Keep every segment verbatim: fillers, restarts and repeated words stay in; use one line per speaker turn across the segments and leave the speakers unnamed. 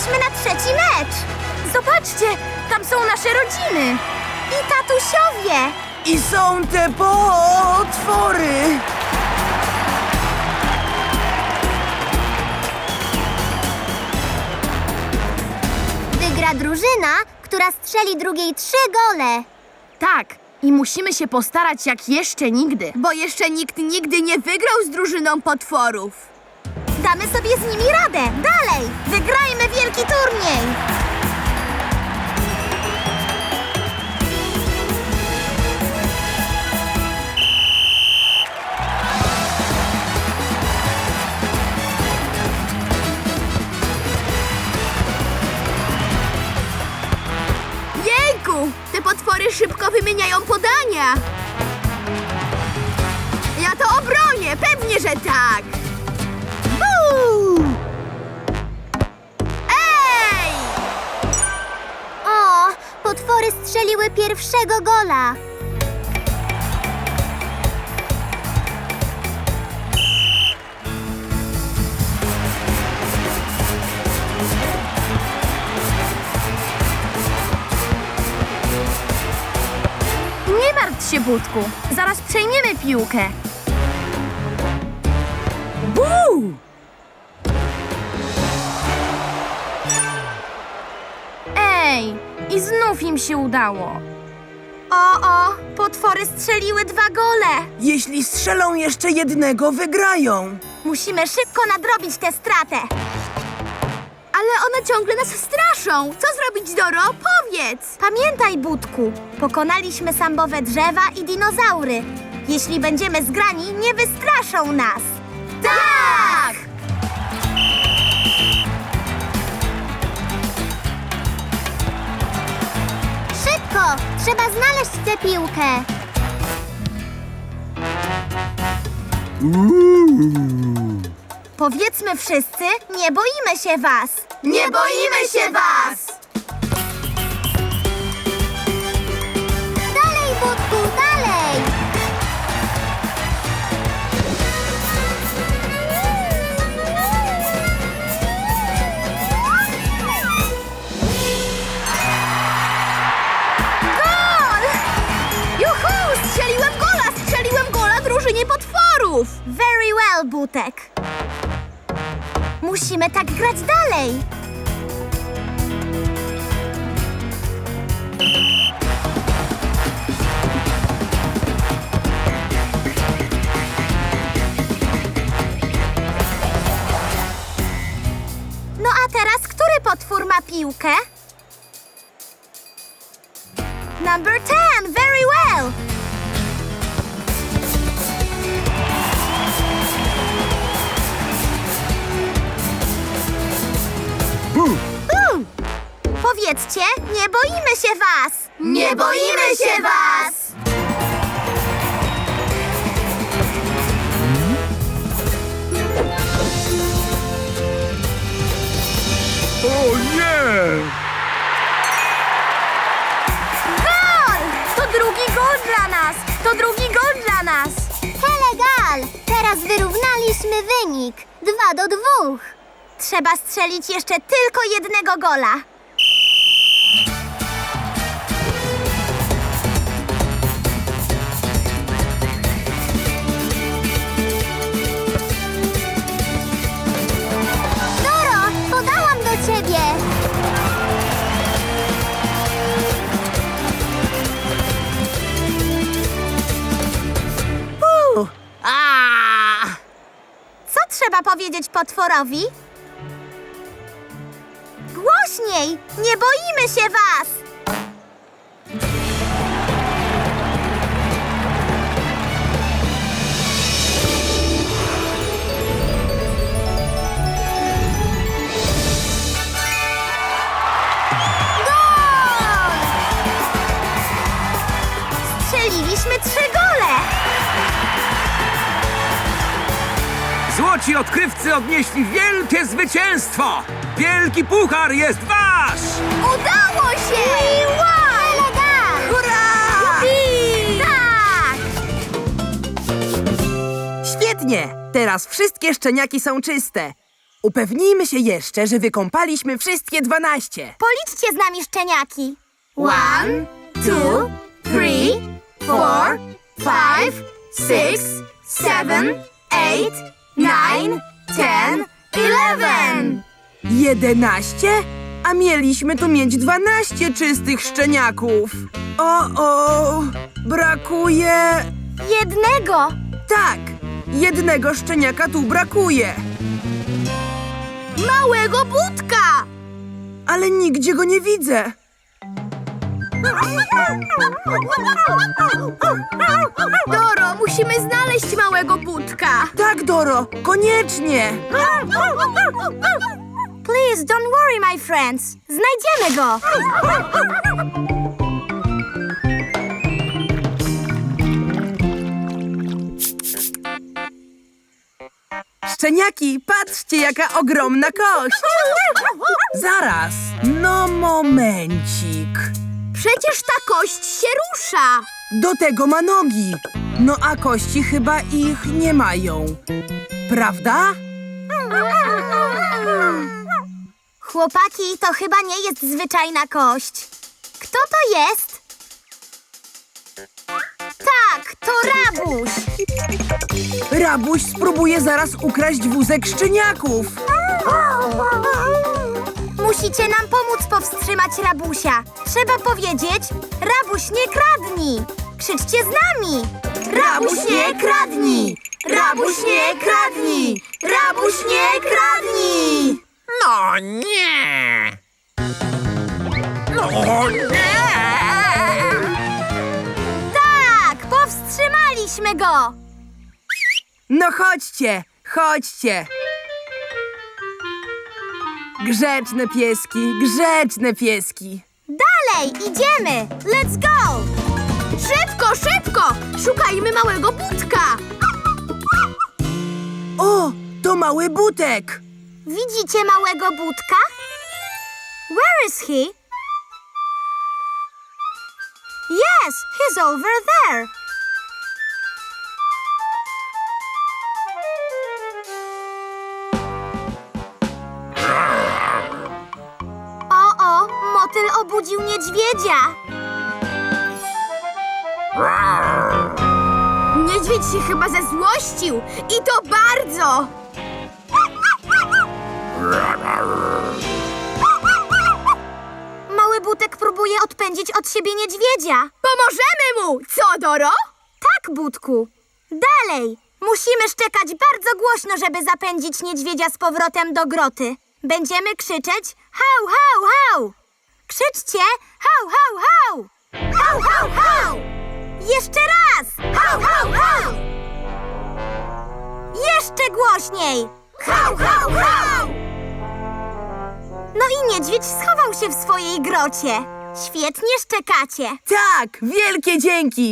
Czekaliśmy na trzeci mecz.
Zobaczcie, tam są nasze rodziny.
I tatusiowie.
I są te potwory!
Wygra drużyna, która strzeli drugiej trzy gole.
Tak, i musimy się postarać jak jeszcze nigdy.
Bo jeszcze nikt nigdy nie wygrał z drużyną potworów.
Damy sobie z nimi radę. Dalej! Wygrajmy wielki turniej!
Jejku! Te potwory szybko wymieniają podania. Ja to obronię, pewnie, że tak. Buu! Ej!
O, potwory strzeliły pierwszego gola.
Nie martw się, Budku. Zaraz przejmiemy piłkę.
Buu!
Ej, i znów im się udało.
O, o, potwory strzeliły dwa gole.
Jeśli strzelą jeszcze jednego, wygrają.
Musimy szybko nadrobić tę stratę.
Ale one ciągle nas straszą. Co zrobić, Doro? Powiedz!
Pamiętaj, Budku, pokonaliśmy sambowe drzewa i dinozaury. Jeśli będziemy zgrani, nie wystraszą nas.
Tak!
Szybko! Trzeba znaleźć tę piłkę. Powiedzmy wszyscy, nie boimy się was.
Nie boimy się was!
Dalej, Budku, dalej!
Gol! Juhu! Strzeliłem gola! Strzeliłem gola drużynie potworów!
Very well, Butek. Musimy tak grać dalej. No a teraz, który potwór ma piłkę? Number ten, very well. Bum. Powiedzcie, nie boimy się was.
Nie boimy się was!
O nie!
Gol! To drugi gol dla nas! To drugi gol dla nas!
Helegal! Teraz wyrównaliśmy wynik. Dwa do dwóch. Trzeba strzelić jeszcze tylko jednego gola. Doro, podałam do ciebie.
Buu! A!
Co trzeba powiedzieć potworowi? Głośniej! Nie boimy się was! Gol! Strzeliliśmy trzy gole!
Złoci odkrywcy odnieśli wielkie zwycięstwo! Wielki puchar jest wasz!
Udało się!
Helegal!
Hurra!
Tak!
Świetnie! Teraz wszystkie szczeniaki są czyste. Upewnijmy się jeszcze, że wykąpaliśmy wszystkie dwanaście.
Policzcie z nami szczeniaki.
One, two, three, four, five, six, seven, eight, nine, ten, eleven.
Jedenaście? A mieliśmy tu mieć dwanaście czystych szczeniaków. O, o, brakuje...
Jednego.
Tak, jednego szczeniaka tu brakuje.
Małego Budka!
Ale nigdzie go nie widzę.
Doro, musimy znaleźć małego Budka.
Tak, Doro, koniecznie.
Please don't worry, my friends. Znajdziemy go.
Szczeniaki, patrzcie, jaka ogromna kość. Zaraz, no momencik.
Przecież ta kość się rusza.
Do tego ma nogi. No a kości chyba ich nie mają. Prawda?
Chłopaki, to chyba nie jest zwyczajna kość. Kto to jest? Tak, to Rabuś.
Rabuś spróbuje zaraz ukraść wózek szczeniaków.
Musicie nam pomóc powstrzymać Rabusia. Trzeba powiedzieć, Rabuś nie kradnij. Krzyczcie z nami.
Rabuś nie kradnij! Rabuś nie kradnij! Rabuś nie kradnij!
No nie! No nie!
Tak, powstrzymaliśmy go.
No chodźcie, chodźcie. Grzeczne pieski, grzeczne pieski.
Dalej, idziemy. Let's go.
Szybko, szybko! Szukajmy małego Budka.
O, to mały Butek.
Widzicie małego Budka? Where is he? Yes, he's over there. O, o, motyl obudził niedźwiedzia.
Niedźwiedź się chyba zezłościł. I to bardzo.
Mały Butek próbuje odpędzić od siebie niedźwiedzia.
Pomożemy mu! Co, Doro?
Tak, Budku. Dalej. Musimy szczekać bardzo głośno, żeby zapędzić niedźwiedzia z powrotem do groty. Będziemy krzyczeć hał, hał, hał. Krzyczcie hał, hał, hał. Hał, hał, hał. Jeszcze raz. Hał, hał, hał. Jeszcze głośniej. Hał, hał, hał. No i niedźwiedź schował się w swojej grocie. Świetnie szczekacie.
Tak, wielkie dzięki.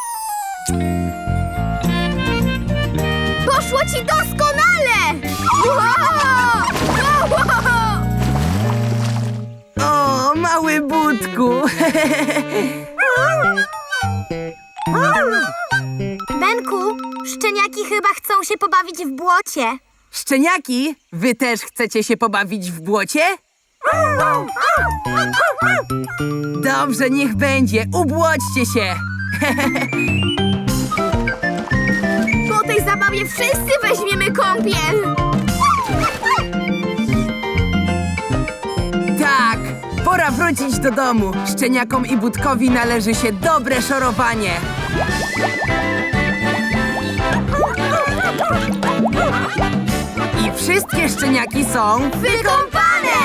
Poszło ci doskonale! Wow!
O, mały Budku.
Benku, szczeniaki chyba chcą się pobawić w błocie.
Szczeniaki, wy też chcecie się pobawić w błocie? Dobrze, niech będzie. Ubłodźcie się.
Po tej zabawie wszyscy weźmiemy kąpiel.
Tak, pora wrócić do domu. Szczeniakom i Budkowi należy się dobre szorowanie. I wszystkie szczeniaki są...
Wykąpane!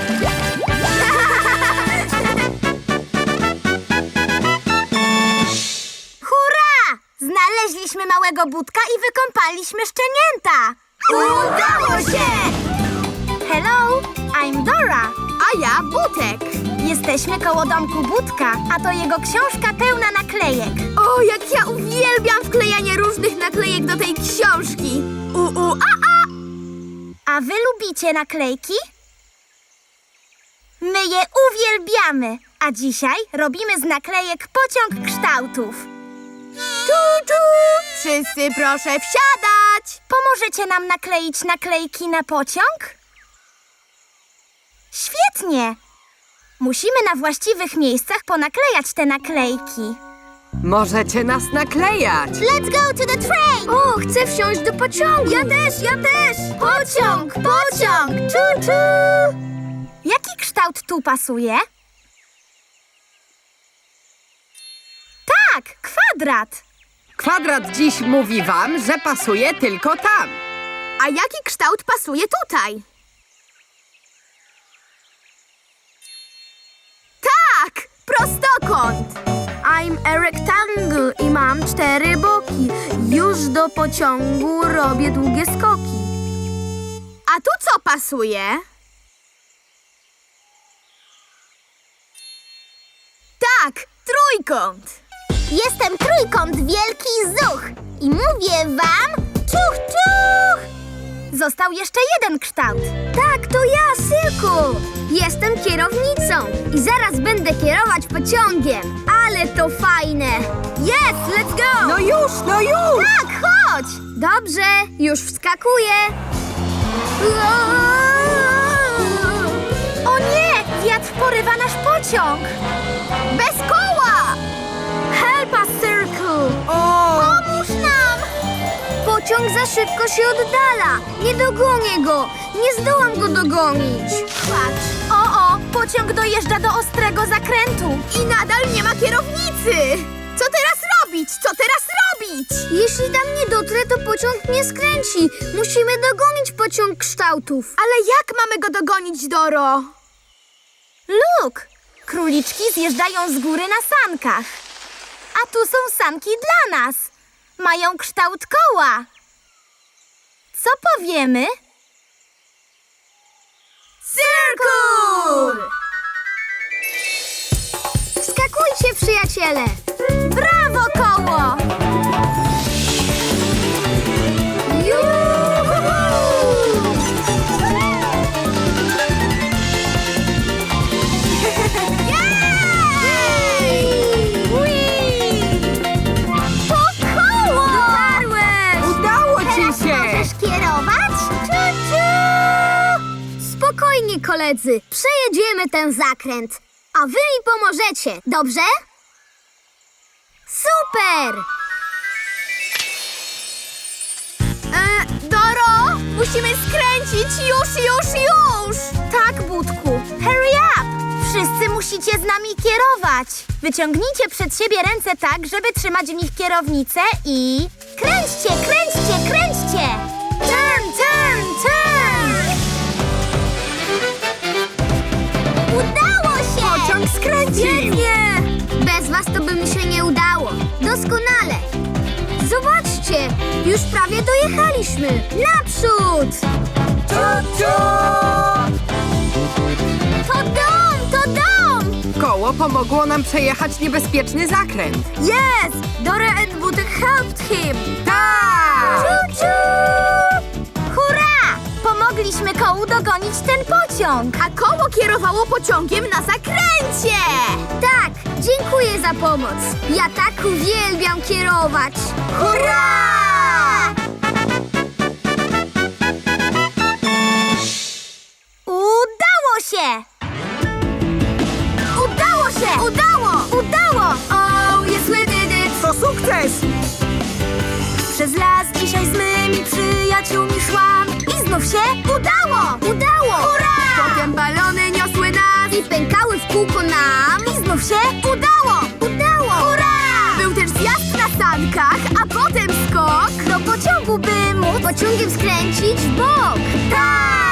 Hurra! Znaleźliśmy małego Budka i wykąpaliśmy szczenięta.
Udało się!
Hello, I'm Dora.
A ja Butek.
Jesteśmy koło domku Budka, a to jego książka pełna naklejek.
O, jak ja uwielbiam wklejanie różnych naklejek do tej książki. U, u, a, a.
A wy lubicie naklejki? My je uwielbiamy, a dzisiaj robimy z naklejek pociąg kształtów.
Czu, czu! Wszyscy proszę wsiadać!
Pomożecie nam nakleić naklejki na pociąg? Świetnie! Musimy na właściwych miejscach ponaklejać te naklejki.
Możecie nas naklejać.
Let's go to the train! O, chcę wsiąść do pociągu! Ja też, ja też! Pociąg, pociąg! Czu, czu!
Jaki kształt tu pasuje? Tak, kwadrat.
Kwadrat dziś mówi wam, że pasuje tylko tam.
A jaki kształt pasuje tutaj? Tak! Prostokąt! I'm a rectangle i mam cztery boki. Już do pociągu robię długie skoki. A tu co pasuje? Tak, trójkąt!
Jestem trójkąt wielki zuch i mówię wam czuch, czuch!
Został jeszcze jeden kształt.
Tak, to ja, Sylku! Jestem kierownicą i zaraz będę kierować pociągiem. Ale to fajne!
Yes, let's go!
No już, no już!
Tak, chodź! Dobrze, już wskakuję.
O nie! Wiatr porywa nasz pociąg!
Bez koła!
Help us, Circle!
O!
Pomóż nam! Pociąg za szybko się oddala. Nie dogonię go. Nie zdołam go dogonić.
Patrz! O, o! Pociąg dojeżdża do ostrego zakrętu.
I nadal nie ma kierownicy! Co teraz robić? Co teraz robić?
Jeśli tam nie dotrę, to pociąg nie skręci. Musimy dogonić pociąg kształtów.
Ale jak mamy go dogonić, Doro?
Luke! Króliczki zjeżdżają z góry na sankach. A tu są sanki dla nas. Mają kształt koła. Co powiemy?
Circle!
Wskakujcie, przyjaciele!
Brawo, koło!
To koło! Dotarłeś!
Udało ci
Teraz
się!
możesz kierować? Czu-czu! Spokojnie, koledzy. Przejedziemy ten zakręt. A wy mi pomożecie, dobrze? Super!
E, Doro, musimy skręcić już, już, już!
Tak, Budku. Hurry up! Wszyscy musicie z nami kierować. Wyciągnijcie przed siebie ręce tak, żeby trzymać w nich kierownicę i... Kręćcie, kręćcie, kręćcie! Turn, turn, turn!
Udało się!
Pociąg skręcił!
Nie! Bez was to by mi się nie udało. Doskonale! Zobaczcie! Już prawie dojechaliśmy! Naprzód! To dom! To dom!
Koło pomogło nam przejechać niebezpieczny zakręt.
Yes! Dora and Budek helped him!
Tak!
Czu-czu! Hurra! Pomogliśmy kołu dogonić ten pociąg!
A koło kierowało pociągiem na zakręcie!
Tak! Dziękuję za pomoc! Ja tak uwielbiam kierować!
Hurra!
Udało się!
Udało się! Udało!
Udało!
Oh, yes we did it!
To sukces!
Przez las dzisiaj z mymi przyjaciółmi szłam i znów się udało!
Udało!
Hurra!
Potem balony niosły nas
I pękały w kółko nam!
I znów się udało!
Udało!
Hurra!
Był też zjazd na sankach, a potem skok.
Do pociągu, by móc...
Pociągiem skręcić w bok!
Tak!